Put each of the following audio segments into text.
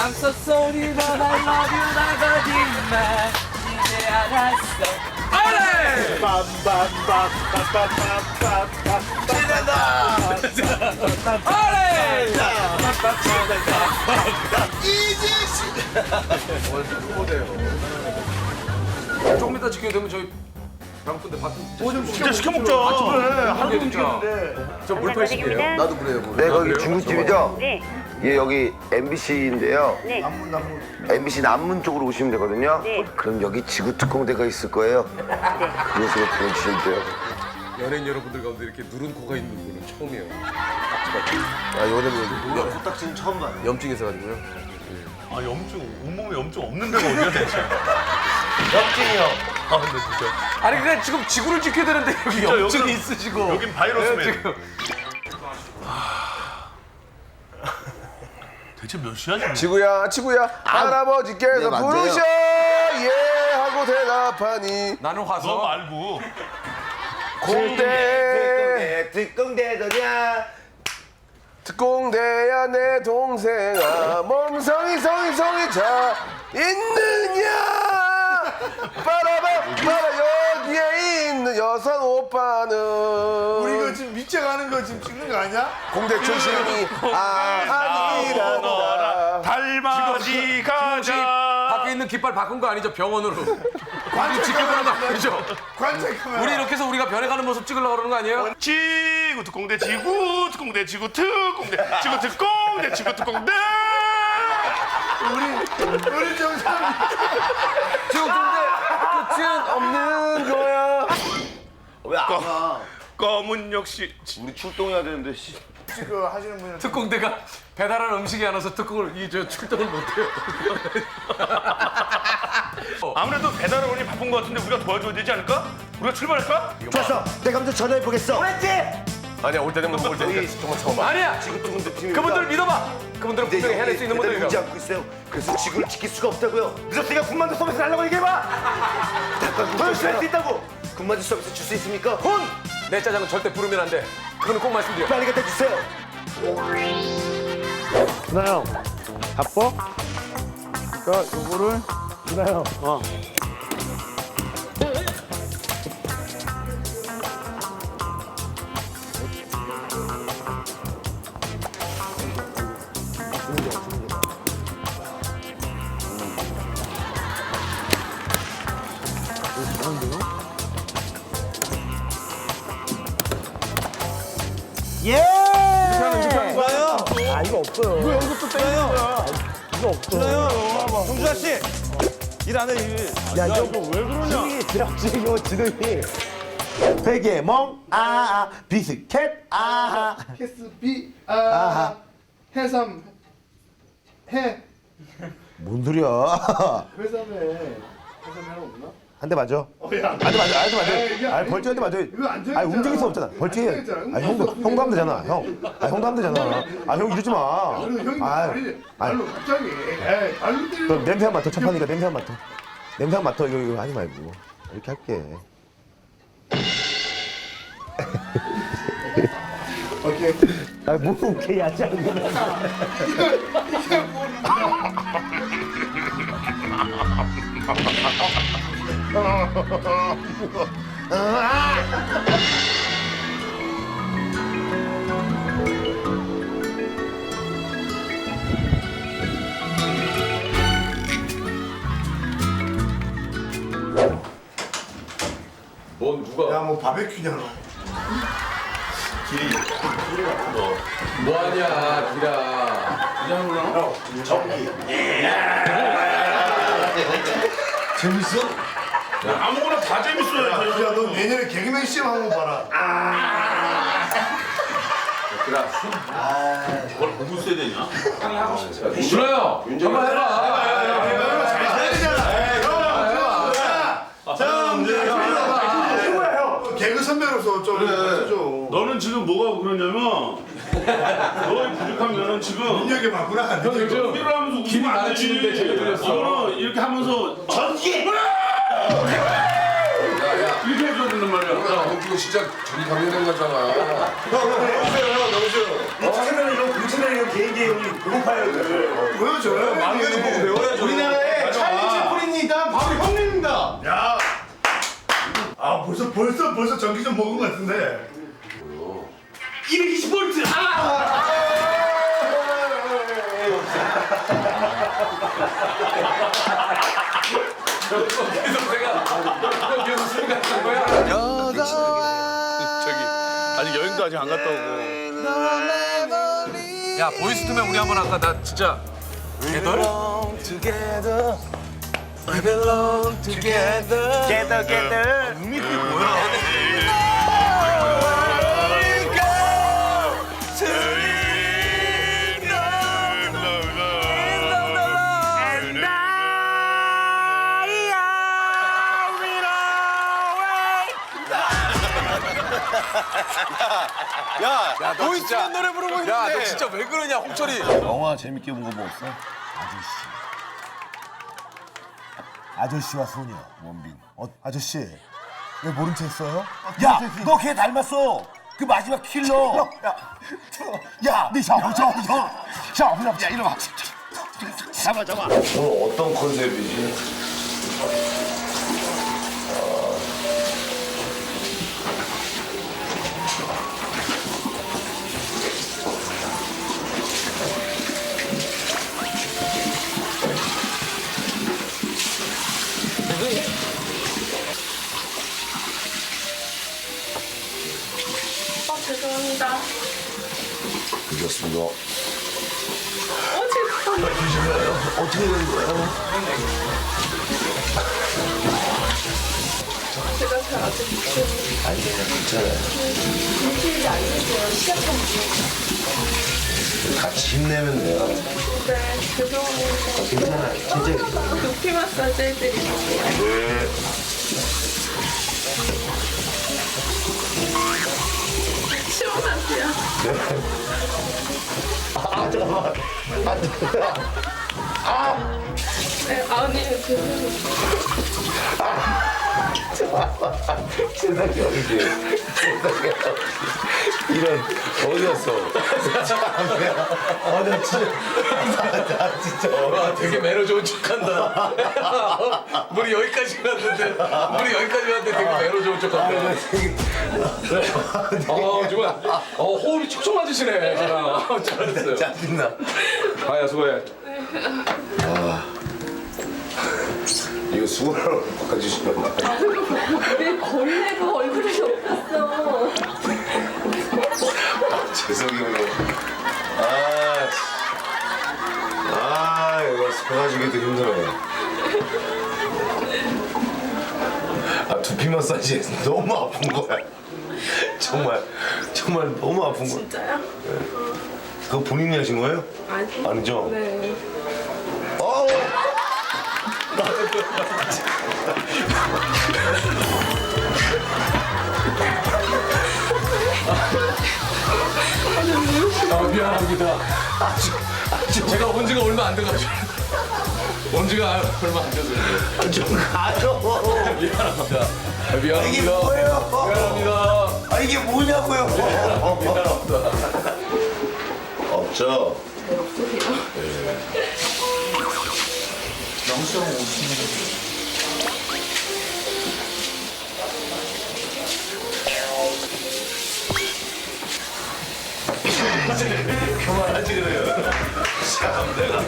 I'm so sorry but I love you 나 거짓말 이제 알았어 올레 올레 조금 이따 지켜야 되면 저희 배고픈데 밥 좀 진짜 시켜 먹자. 하루도 움직였는데 저 물팔식이에요? 나도 그래요. 네, 거기 중국집이죠? 네. 예, 여기 MBC인데요. 네. MBC 남문 쪽으로 오시면 되거든요. 네. 그럼 여기 지구특공대가 있을 거예요. 그곳으로 보내주시면 돼요. 연예인 여러분들 가운데 이렇게 누른 코가 있는 분은 처음이에요. 아, 이거는 코딱지는 처음 봐요. 염증이 있어가지고요. 아 염증 온몸에 염증 없는 데가 어디야 대체? 엽진이요. 아 근데 진짜 아니 그래 지금 지구를 지켜야 되는데 여기 진짜 염증이 여기는- 있으시고 여긴 바이러스맨. 지금. 대체 몇 시야 지금? 지구야 지구야 할아버지께서 네, 맞아요. 부르셔 예 하고 대답하니 나는 너 화서 말고 공대 특공대더냐. 특공대야 내 동생아 멍성이 성이 자 있느냐 빠라바 빠라 여기에 있는 여성 오빠는 우리 이거 지금 밑에가는 거 지금 찍는 거 아니야? 공대 출신이 아니란다 달맞이 가자. 밖에 있는 깃발 바꾼 거 아니죠 병원으로 우리 지켜보는 거 아니죠 관찰 카메라. 우리 이렇게 해서 우리가 변해가는 모습 찍으려고 그러는 거 아니에요? 지구 특공대 지구 특공대 지구 특공대 지구 특공대 지구 특공대. 우리 정상. 지금 근데 끝은 없는 거야 왜안 와? 검은 역시 우리 출동해야 되는데. 씨. 그 하시는 분은 특공대가 배달한 음식이 안 와서 특공을 출동을 못해요 아무래도 배달원이 바쁜 것 같은데 우리가 도와줘야 되지 않을까? 우리가 출발할까? 좋았어. 내가 먼저 전화해 보겠어. 아니야 올 때 되면 올 때 정말 처음 봐 아니야 그분들 믿어봐 그분들은 분명히 해낼 수 있는 배달이 오지 분들이라고 않고 있어요. 그래서 지구를 지킬 수가 없다고요. 늦었으니까 군만두 서비스 달라고 얘기해봐. 더 열심히 할 수 있다고. 군만두 서비스 줄 수 있습니까? 내 짜장은 절대 부르면 안돼 그거는 꼭 말씀드려 빨리 갖다 주세요. 준하 형 바빠? 그러니까 요거를 준하 형. 정준하 씨! 일 안 해, 일. 야 이거 왜 그러냐? 지랄지 이거 지능이. 베개멍 비스켓 캐스비 아하. 해삼 해 뭔 소리야? 회삼에 해삼 없나? 한 대 맞아. 야, 한 대 맞아. 한 대 이게 맞아. 아니 벌칙 한대 맞아. 이거 안 정했잖아. 아니 움직일 수 없잖아. 벌칙. 안 정했잖아. 아니 형도 하면 되잖아. 형. 아니 형도 하면 되잖아. 아 형 이러지 마. 그리고 형이 아이, 말이 아이. 말로 갑자기 말로 때리는 그럼 냄새 한 맡아. 첫판이니까 냄새 한 맡아. 냄새 한 맡아. 이거 하지 말고 이렇게 할게. 오케이. 아뭐 오케이 하지 않는 거야. 뭔 누가 야뭐 바베큐냐 너. 뭐하냐 기라 재밌어? 아무거나 다 재밌어요. 야너 내년에 개그맨 시험 한번 봐라. 준호요 한번 해봐 개그 선배로서 좀 해줘. 너는 지금 뭐가 그러냐면 너의 부족하면은 지금 민혁이 맞구나. 형 요즘 일을 하면서 길이 웃으면 안 가르치는데 되지. 제가 들렸어. 너는 이렇게 하면서 전기 이렇게 해줘야 된단 말이야. 이거 진짜 전이 강렬한 거잖아. 채널 이런 공채널 이런 개인기 형님 배고파요. 보여줘요. 막내도 보고 배워야죠. 우리나라의 찰리 채플린이 일단 바로 형님입니다. 야. 아 벌써 전기 좀 먹은 것 같은데. 220V. 계속 내가 계속 생각한 거야. 저기 아직 여행도 아직 안 갔다 오고. 야 보이스투맨 우리 한번 할까? 나 진짜 개덜? 야, 보이스만 노래 부르고 있는데. 야 너 진짜 왜 그러냐 홍철이. 영화 재밌게 본 거 뭐 없어? 아저씨와 소녀 원빈. 아저씨 왜 모른 체 했어요? 야 너 걔 닮았어. 그 마지막 킬러. 야네 잡아. 야 이리 와. 잡아. 오늘 어떤 컨셉이지? 죄송합니다. 늦었습니다. 죄송합니다. 어떻게 된 거야? 제가 잘 아직 못해요. 아니야 괜찮아. 일주일이 안 됐어요. 시작한 지. 같이 힘내면 돼요. 네, 죄송합니다. 괜찮아. 진짜. 두피 마사지 해드릴게요. 시원하세요? 잠깐만. 네, 아니, 죄송해요. 세상에 어디지? 이런 어디였어? 나 진짜. 와 되게 매너 좋은 척한다. 우리 여기까지 왔는데 되게 매너 좋은 척한다. 정말 호흡이 촉촉 맞으시네. 잘했어요. 짜증나. 아야 수고해. 이거 수건으로 바꿔주시면 안 돼요? 왜 걸레가 얼굴에 없었어? 죄송해요. 이거 스포가지기도 힘들어요. 두피 마사지 너무 아픈 거야. 정말 너무 아픈 거야. 진짜요? 그거 본인이 하신 거예요? 아니. 아니죠? 네. 미안합니다. 제가 온 지가 얼마 안 돼가지고. 온 지가 얼마 안 돼서 그래요. 좀 가져. 미안합니다. 이게 미안합니다. 뭐예요? 미안합니다. 이게 뭐냐고요? 미안합니다. 없죠? 네, 없으세요? 그만하지 그래요. 참 내가.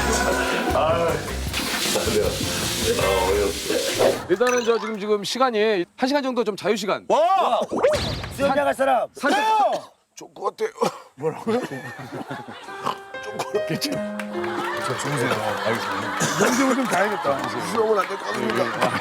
어이없어. 일단은 저 지금 시간이 1시간 정도 좀 자유 시간. 수영장 갈 사람. 좋을 것 같아요. 영정을 좀 가야겠다. 수영은 안 될 것 같습니다.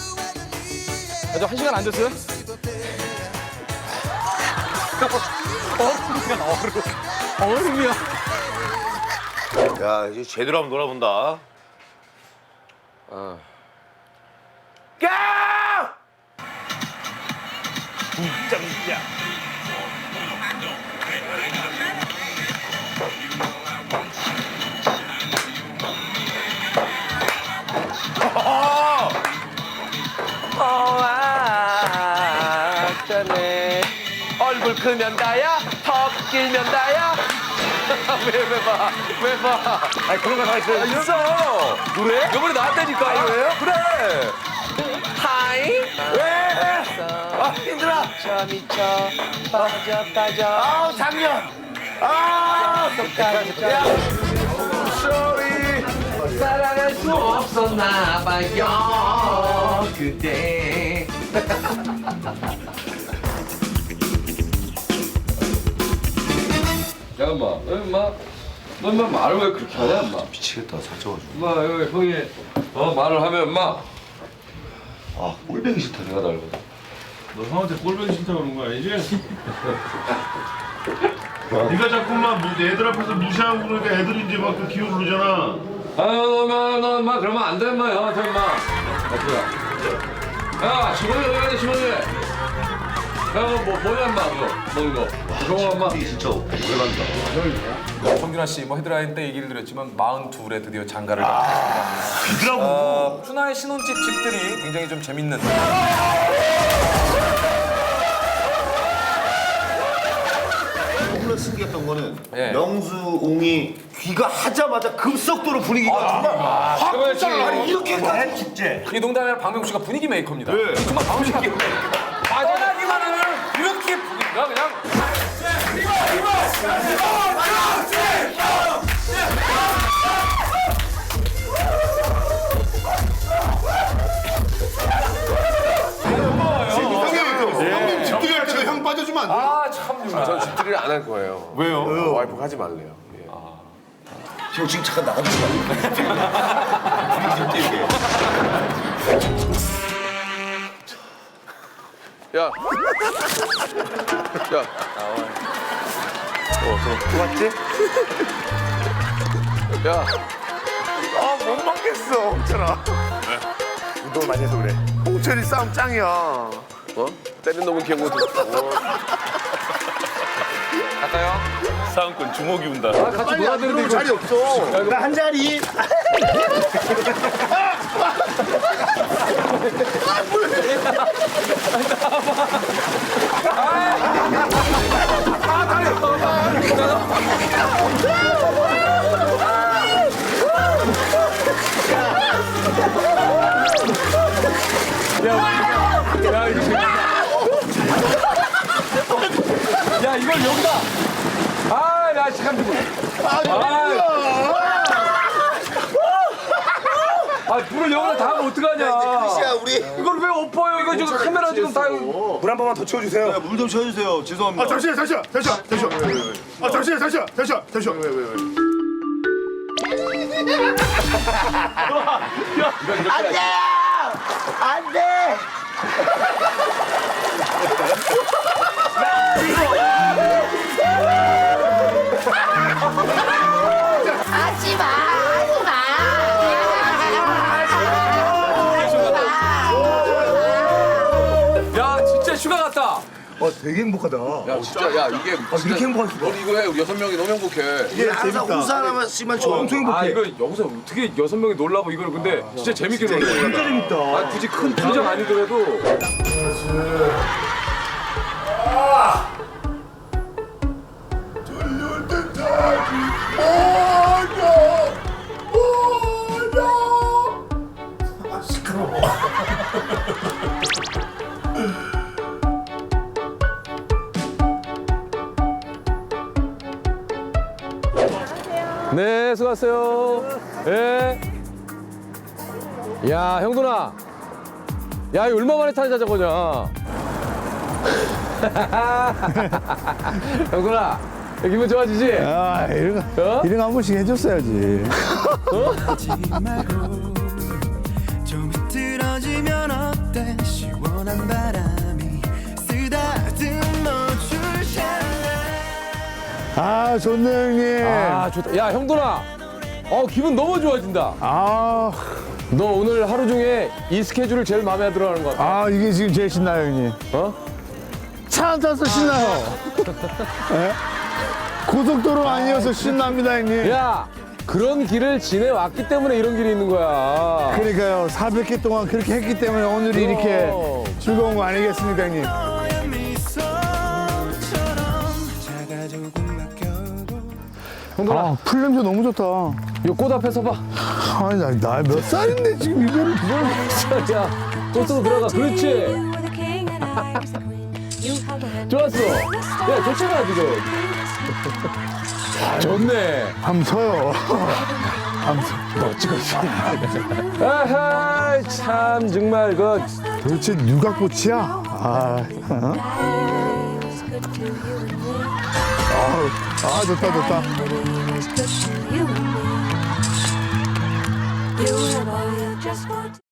아직 1시간 안 됐어요? 얼음이야. 야, 이제 제대로 한번 놀아본다. 야! 짱이야. 어쩌네. 얼굴 크면 다야, 턱 길면 다야. 왜 봐? 아니, 그런 거 다 있어요. 있어. 노래? 이번에 나왔다니까. 이거예요? 그래. 하이. 왜? 아, 힘들어. 저 미쳐 빠져. 아우, 작년. 아, 야, sorry. 사랑할 수 없었나 봐요 그대. 야, 인마, 너 인마 말을 왜 그렇게 하냐, 인마? 미치겠다, 살쪄가지고. 인마, 여기 형이 말을 하면 인마. 아, 꼴뱅이 싫다. 내가 달거든. 너 형한테 꼴보기 싫다 그런 거 아니지? 네가 자꾸만 애들 앞에서 무시하고 그러니까 애들이 이제 막 그 기어 오르잖아. 아유, 너 인마 그러면 안 돼, 인마. 형한테 인마. 야, 시원해, 여기 시원해. 야, 뭐냐, 인마, 그거. 먹는 거. 그거, 인마. 진짜 오래간다. 성균아 씨, 뭐 헤드라인 때 얘기를 드렸지만 42에 드디어 장가를 갔습니다. 푸나의 신혼집 집들이 굉장히 좀 재밌는. 너무나 신기했던 거는 예. 명수, 옹이 귀가하자마자 급속도로 분위기가 정말 확 잘라니 이렇게까지 축제. 이 농담이 아니라 박명수 씨가 분위기 메이커입니다. 네. 정말 박명수 씨가 떠나기만 하면 이렇게 분위기가 그냥. 형님 집들이 할 때도 형 빠져주면 안 돼? 아, 참. 전 집들이를 안 할 거예요. 왜요? 와이프가 하지 말래요. 예. 형 지금 잠깐 나가주지 마. 야. 야. 맞지? 야. 아 못 맞겠어 홍철아. 운동을 많이 해서 그래. 홍철이 싸움 짱이야. 어? 때린 놈은 기억못 했어. 갈까요? 싸움꾼 주먹이 운다. 같이 놀아야 되는데 이거. 자리 없어. 나 한 자리. 야, 이걸 여기다. 아, 야, 참. 불을 여기다 다 하면 어떡하냐. 야 우리. 이걸 왜 엎어요? 이거 지금 카메라 지금 다. 물 한 번만 더 채워주세요. 물 좀 채워주세요. 죄송합니다. 아 잠시만. 아 잠시만. 안 돼. 하지 마, 하지 마. 야, 진짜 휴가 갔다. 되게 행복하다. 야, 진짜, 야, 이게. 이렇게 행복할 수가. 우리 이거 해. 우리 6명이 너무 행복해. 이게 항상 우수 하나만씩만 좋아. 엄청 행복해. 아, 이거 여기서 어떻게 6명이 놀라고 이걸 근데 진짜 재밌게 놀래. 진짜 재밌다. 아, 굳이 큰 표정 아니더라도. 네, 수고하세요. 예. 야, 형돈아. 야, 이거 얼마 만에 타는 자전거냐. 형돈아, 기분 좋아지지? 아, 이런 거, 어? 이런 거 한 번씩 해줬어야지. 좀 흐트러지면 어때 시원한 바람이 쓰다듬어 줄 샬라 아, 좋네, 형님. 아 좋다. 야 형돈아, 기분 너무 좋아진다. 아, 너 오늘 하루 중에 이 스케줄을 제일 마음에 들어하는 것 같아. 이게 지금 제일 신나요, 형님. 차 안 타서 신나요. 예? 고속도로 아니어서 신납니다, 형님. 야 그런 길을 지내왔기 때문에 이런 길이 있는 거야. 그러니까요, 400개 동안 그렇게 했기 때문에 오늘이 이렇게 즐거운 거 아니겠습니까, 형님? 너의 미소처럼 작아 조금 맡겨도 형돈아, 풀 냄새 너무 좋다. 이 꽃 앞에 서봐. 아니, 나 몇 살인데 지금 이거를. 야, 꽃 속으로 들어가. 그렇지. 좋았어. 야, 좋잖아, 지금. 좋네. 한번 서요. 너 찍었어. 아하, 참, 정말, 도대체 누가 꽃이야? 좋다, 좋다. You have all you just want.